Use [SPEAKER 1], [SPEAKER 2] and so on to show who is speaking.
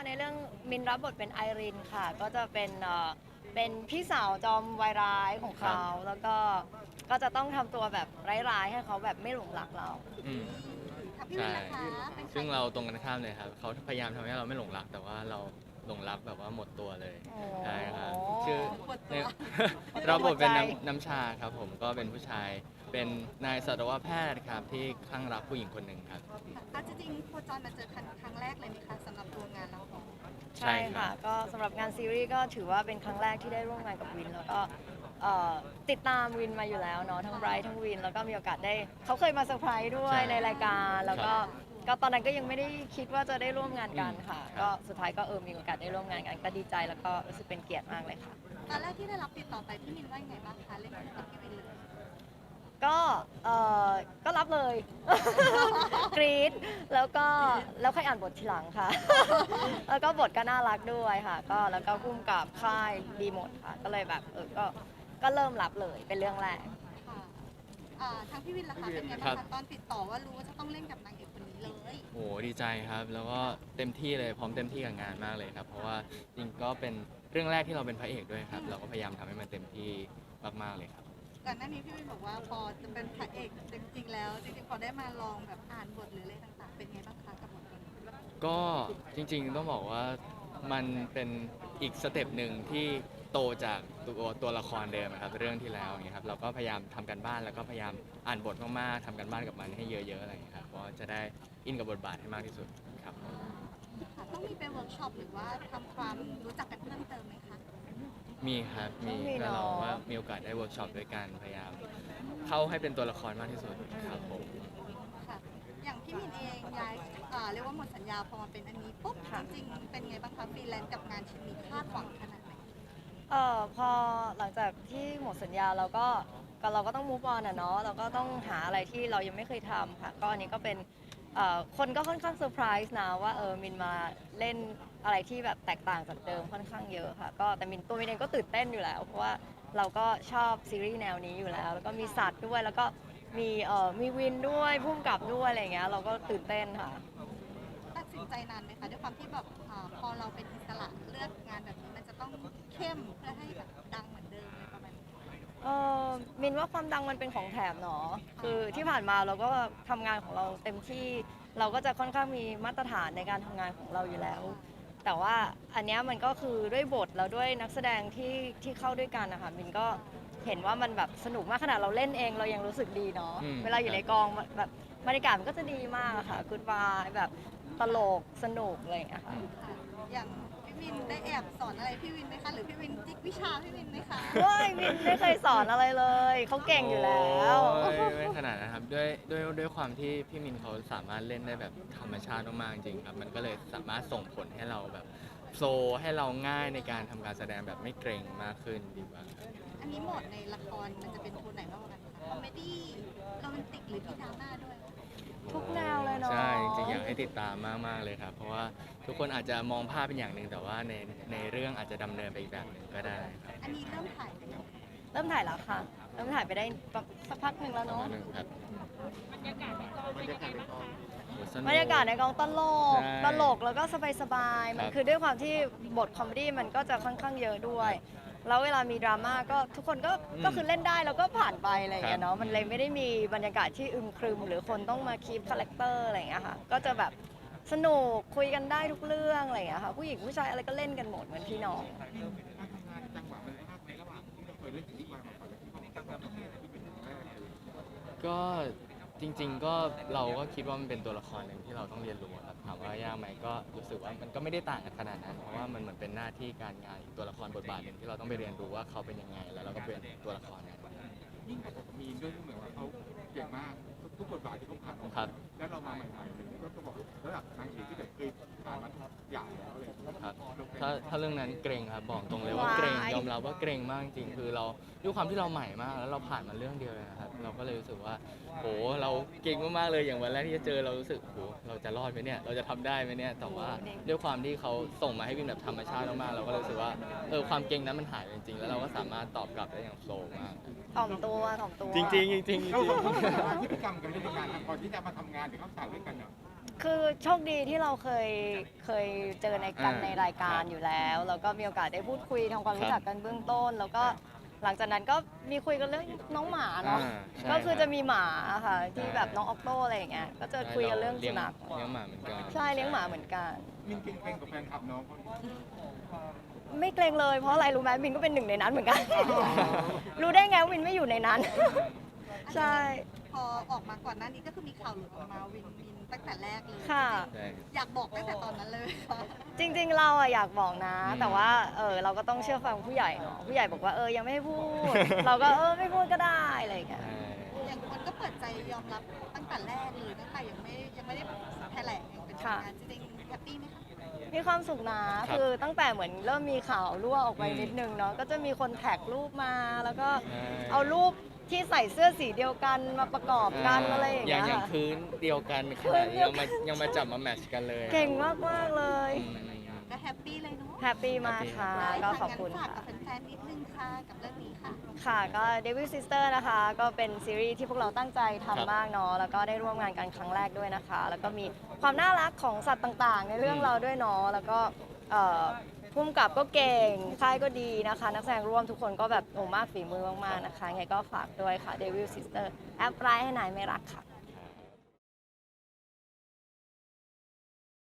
[SPEAKER 1] ในเรื่องมินรับบทเป็นไอรินค่ะก็จะเป็นพี่สาวจอมวายร้ายของเขาแล้วก็จะต้องทำตัวแบบร้ายๆให้เขาแบบไม่หลงรักเรา
[SPEAKER 2] อืม
[SPEAKER 3] กับพี่วิน
[SPEAKER 2] ใช่
[SPEAKER 3] นะคะเป็นใคร
[SPEAKER 2] ซึ่งเราตรงกันข้ามเลยครับเขาพยายามทำให้เราไม่หลงรักแต่ว่าเราหลงรักแบบว่าหมดตัวเลยใช่ครับชื่อเนี่ยเราบทเป็นน้ำชาครับผมก็เป็นผู้ชายเป็นนายสัตวแพทย์ครับที่คลั่งรักผู้หญิงคนหนึ่งครับ
[SPEAKER 3] จริงๆโคจรมาเจอกันครั้งแรกเลยไหมคะสำหรับตัวงานเราของ
[SPEAKER 2] ใช่
[SPEAKER 1] ใช่
[SPEAKER 2] ครั
[SPEAKER 1] ค่ะ
[SPEAKER 2] บ
[SPEAKER 1] ก็สำหรับงานซีรีส์ก็ถือว่าเป็นครั้งแรกที่ได้ร่วมงานกับวินแล้วก็ติดตามวินมาอยู่แล้วเนาะทั้งไบรท์ทั้งวินแล้วก็มีโอกาสได้เขาเคยมาเซอร์ไพรส์ด้วย
[SPEAKER 2] ใช่
[SPEAKER 1] ในรายการแล้วก็ตอนนั้นก็ยังไม่ได้คิดว่าจะได้ร่วมงานกันค่ะ
[SPEAKER 2] ครับ
[SPEAKER 1] ก็สุดท้ายก็มีโอกาสได้ร่วมงานกันก็ดีใจแล้วก็รู้สึกเป็นเกียรติมากเลยค่ะ
[SPEAKER 3] ตอนแรกที่ได้รับติดต่อไปพี่มินว่ายังไงบ้างคะเล่นกับพี่วินเลย
[SPEAKER 1] ก็ก็รับเลย กรี๊ดแล้วค่อยอ่านบททีหลังค่ะ แล้วก็บทก็น่ารักด้วยค่ะก็แล้วก็พุ่มกับค่ายดีหมดค่ะก็เลยแบบก็เริ่มรับเลยเป็นเรื่องแรก
[SPEAKER 3] ค่ะทางพี่วินล่ะคะเป็นไงบ้างคะตอนติดต่อว่ารู้ว่าจะต้องเล่นกับนางเอกคนนี้เลย
[SPEAKER 2] โอ้ดีใจครับ แล้วก็เต็มที่เลยพร้อมเต็มที่กับงานมากเลยครับ เพราะว่าจริงก็เป็นเรื่องแรกที่เราเป็นพระเอกด้วยครับ เราก็พยายามทำให้มันเต็มที่มากๆเลยครับ
[SPEAKER 3] ก่อนหน้านี้พี่วินบอกว่าพอจะเป็นพระเอกจริงๆแล้วจริงๆพอได้มาลองแบบอ่านบทหรืออะไรต่างๆ เป็นไงบ้างคะกับบทนี้
[SPEAKER 2] ก็จริงๆต้องบอกว่ามันเป็นอีกสเต็ปหนึ่งที่โตจากตัวละครเดิมนะครับเรื่องที่แล้วอย่างเงี้ยครับเราก็พยายามทำกันบ้านแล้วก็พยายามอ่านบทมากๆทำกันบ้านกับมันให้เยอะๆอะไรอย่างเงี้ยครับเพราะจะได้อินกับบทบาทให้มากที่สุดครับ
[SPEAKER 3] ค่ะต้องมีไปเวิร์กช็อปหรือว่าทำความรู้จักกันเพิ่มเติมไหมคะ
[SPEAKER 2] มีครับมี
[SPEAKER 1] ต้องมี
[SPEAKER 2] ก็
[SPEAKER 1] เนอะ
[SPEAKER 2] เราก็มีโอกาสได้เวิร์กช็อปด้วยกันพยายามเข้าให้เป็นตัวละครมากที่สุดครับผม
[SPEAKER 3] ค่ะ อย่างพี่มินเองย้ายเรียกว่าหมดสัญญาพอมาเป็นอันนี้ปุ๊บจริงๆเป็นไงบ้างคะฟรีแลนซ์กับงานชิ้นนี้คาดหวังขนาดไหน
[SPEAKER 1] พอหลังจากที่หมดสัญญาเราก็ต้อง move on อะเนาะเราก็ต้องหาอะไรที่เรายังไม่เคยทำค่ะก็อันนี้ก็เป็นคนก็ค่อนข้างเซอร์ไพรส์นะว่ามินมาเล่นอะไรที่แบบแตกต่างจากเดิมค่อนข้างเยอะค่ะก็แต่ตัวมินเองก็ตื่นเต้นอยู่แล้วเพราะว่าเราก็ชอบซีรีส์แนวนี้อยู่แล้วแล้วก็มีสัตว์ด้วยแล้วก็มีวินด้วยพุ่มกับด้วยอะไรอย่างเงี้ยเราก็ตื่นเต้นค่ะ
[SPEAKER 3] ตัดสินใจนานไหมคะด้วยความที่แบบพอเราเป็นอิสระเลือกงานแบบนี้มันจะต้องเข้มเพื่อให้แบบดังเหมือนเดิมเลยประมาณนี้
[SPEAKER 1] มินว่าความดังมันเป็นของแถมเนาะคือที่ผ่านมาเราก็ทำงานของเราเต็มที่เราก็จะค่อนข้างมีมาตรฐานในการทำงานของเราอยู่แล้ว แต่ว่าอันเนี้ยมันก็คือด้วยบทแล้วด้วยนักแสดงที่เข้าด้วยกันนะคะมินก็เห็นว่ามันแบบสนุกมากขนาดเราเล่นเองเรายังรู้สึกดีเนาะ
[SPEAKER 2] อืม
[SPEAKER 1] เวลาอยู่ในกองแบบบรรยากาศมันก็จะดีมากอะค่ะกูดบายแบบตลกสนุกอะไรอย่างเงี้ยค่ะ
[SPEAKER 3] ค่ะอย่างพี่วินได้แอบสอนอะไรพี่วินไหมคะหรือพี่วินจิกวิชาพี่วินไหมคะ
[SPEAKER 1] ว้ายมินไม่เคยสอนอะไรเลยเขาเก่งอยู่แล้ว
[SPEAKER 2] โอ้ยไม่ขนาดนะครับด้วยความที่พี่มินเขาสามารถเล่นได้แบบธรรมชาติมากๆจริงครับมันก็เลยสามารถส่งผลให้เราแบบโฟลว์ให้เราง่ายในการทำการแสดงแบบไม่เกรงมากขึ้นดีกว่าครับ
[SPEAKER 3] อันนี้โหมดในละครมันจะเป็นโทนไหนมากกว่ากันคะคอมเมดี้โรแมนติกหรือมีดราม่าด้วย
[SPEAKER 1] ทุกแนวเลยเนาะ
[SPEAKER 2] ใช่จริงๆอยากให้ติดตามมากๆเลยครับ เพราะว่าทุกคนอาจจะมองภาพเป็นอย่างหนึ่งแต่ว่าในเรื่องอาจจะดำเนินไปอีกแบบหนึ่งก็ได้ครับ
[SPEAKER 3] อันนี้เริ่มถ่ายไปแล้ว
[SPEAKER 1] เริ่มถ่ายแล้วค่ะ เริ่มถ่ายไปได้สักพักหนึ่งแล้ว
[SPEAKER 2] ประ
[SPEAKER 1] เนาะ
[SPEAKER 2] มาณหนึงครับ โอ้สนุก
[SPEAKER 1] บรรยากาศในกองตลก
[SPEAKER 2] ใช่
[SPEAKER 1] ตลกแล้วก็สบายๆ มัน
[SPEAKER 2] ครับ
[SPEAKER 1] คือด้วยความที่บทคอมเมดี้มันก็จะค่อนข้างเยอะด้วย แล้วเวลามีดราม่าก็ทุกคนก็คือเล่นได้แล้วก็ผ่านไปอะไรอย่างเงี้ยเนาะ มันเลยไม่ได้มีบรรยากาศที่อึมครึม หรือคนต้องมาคีปคาแรคเตอร์อะไรอย่างเงี้ยค่ะ ก็จะแบบสนุกคุยกันได้ทุกเรื่องอะไรอย่างเงี้ยค่ะ ผู้หญิงผู้ชายอะไรก็เล่นกันหมดเหมือนพี่น้อง
[SPEAKER 2] ก็จริงๆก็เราก็คิดว่ามันเป็นตัวละครหนึ่งที่เราต้องเรียนรู้ครับถามว่ายากไหมก็รู้สึกว่ามันก็ไม่ได้ต่างกันขนาดนั้นเพราะว่ามันเหมือนเป็นหน้าที่การงานอีกตัวละครบทบาทหนึ่งที่เราต้องไปเรียนรู้ว่าเขาเป็นยังไงแล้วเราก็เป็นตัวละครนั้น
[SPEAKER 4] ยิ่งกว่ามีนด้วยที่เหมือนว่าเขาเก่งมากทุกบทบาทที่เขาผ่านมา
[SPEAKER 2] ครับ
[SPEAKER 4] แล้วเรามาใหม่ๆเลยก็บอกระดับนางเอกที่แบบเคยผ่านมาทุกอย่างแล้วอะไรอย่างเงี้ย
[SPEAKER 2] ครับถ้าเรื่องนั้นเกรงครับบอกตรงเลยว่าเกรง
[SPEAKER 1] ว้าย
[SPEAKER 2] ยอมรับว่าเกรงมากจริงคือเราด้วยความที่เราใหม่มากแล้วเราผ่านมาเรื่องเดียวเลยนะครับเราก็เลยรู้สึกว่าโหเราเก่งมากๆเลยอย่างวันแรกที่จะเจอเรารู้สึกโหเราจะรอดไหมเนี่ยเราจะทำได้ไหมเนี่ยแต่ว่าด้วยความที่เขาส่งมาให้วินแบบธรรมชาติมากๆเราก็เลยรู้สึกว่าความเก่งนั้นมันหายไปจริงๆแล้วเราก็สามารถตอบกลับได้อย่างโฟล์มาก
[SPEAKER 1] ถ่อมตัว
[SPEAKER 2] จริงๆจริงๆจริง
[SPEAKER 4] เราต้องพัฒนาพฤติกรรมกันในการก่อนที่จะมาทำงานหรือเข้าฉากด้วยกันเนาะ
[SPEAKER 1] คือโชคดีที่เราเคยเจอในกันในรายการอยู่แล้ว แล้วก็มีโอกาสได้พูดคุยทำความรู้จักกันเบื้องต้น แล้วก็หลังจากนั้นก็มีคุยกันเรื่องน้องหมาเนาะ
[SPEAKER 2] ใช่
[SPEAKER 1] ก็คือจะมีหมาค่ะ
[SPEAKER 2] ใช่
[SPEAKER 1] ที่แบบน้องออกโต้อะไรอย่างเงี้ย ก็จะคุยกันเรื่องสุนัข
[SPEAKER 2] เลี้ยงหมาเหมือนกัน
[SPEAKER 1] ใช่เลี้ยงหมาเหมือนกัน
[SPEAKER 4] มินเก่งๆกับแฟนคลับน้องเขาดิ
[SPEAKER 1] ไม่เกรงเลยเพราะอะไรรู้ไหมมินก็เป็นหนึ่งในนั้นเหมือนกัน รู้ได้ไงว่ามินไม่อยู่ในนั้น ใช่
[SPEAKER 3] พอออกมาก่อนหน้านี้ก็คือมีข่าวหลุดออกมาวินตั้งแต่แรกเลย
[SPEAKER 1] ค่ะ
[SPEAKER 2] ใช่
[SPEAKER 3] อยากบอกตั้งแต่ตอนนั้นเลยค่ะ
[SPEAKER 1] จริงๆเราอะอยากบอกนะ
[SPEAKER 2] อืม
[SPEAKER 1] แต่ว่าเราก็ต้องเชื่อฟังผู้ใหญ่เนาะผู้ใหญ่บอกว่ายังไม่ให้พูด เราก็ไม่พูดก็ได้อะไรอย่างเงี้ย
[SPEAKER 2] ใช่
[SPEAKER 3] อย่างคนก็เปิดใจยอมรับตั้งแต่แรกเลยตั้งแต่ยังไม่ได้แถลงอย่างเป็นทางการจริงๆแฮปปี้ไหมคะ
[SPEAKER 1] มีความสุขนะ คือตั้งแต่เหมือนเริ่มมีข่าวรั่วออกไป
[SPEAKER 2] อืม
[SPEAKER 1] นิดนึงเนาะก็จะมีคนแท็กรูปมา แล้วก็
[SPEAKER 2] ใช่
[SPEAKER 1] เอารูปที่ใส่เสื้อสีเดียวกันมาประกอบกันอะไรอย่างเงี้ย
[SPEAKER 2] อย่าง
[SPEAKER 1] ค่ะ
[SPEAKER 2] พื้นเดียวกัน
[SPEAKER 1] พื้
[SPEAKER 2] ค่ะ
[SPEAKER 1] นเดียวกัน
[SPEAKER 2] ยังมาจับมาแมทช์กันเลย
[SPEAKER 1] เก่งมากๆเลย
[SPEAKER 2] อืม
[SPEAKER 3] ก็แฮปปี้เลยเนาะ
[SPEAKER 1] แฮปปี้มากค่ะ ก็ขอบคุณ
[SPEAKER 3] ฝาก
[SPEAKER 1] ค่ะ
[SPEAKER 3] กับแฟนๆนิดนึงค่ะกับเรื่องนี้ค่ะ
[SPEAKER 1] ค่ะก็ Devil Sister นะคะ ก็เป็นซีรีส์ที่พวกเราตั้งใจ
[SPEAKER 2] ครับ
[SPEAKER 1] ทำมากเนาะแล้วก็ได้ร่วมงานกันครั้งแรกด้วยนะคะ แล้วก็มีความน่ารักของสัตว์ต่างๆ ในเรื่องเราด้วยเนาะแล้วก็พุ่มกับก็เก่งค่ายก็ดีนะคะ นักแสดงร่วมทุกคนก็แบบโอ้มากฝีมือมากๆนะคะไงก็ฝากด้วยค่ะ Devil Sister แอปไลน์ให้นายไม่รักค่ะ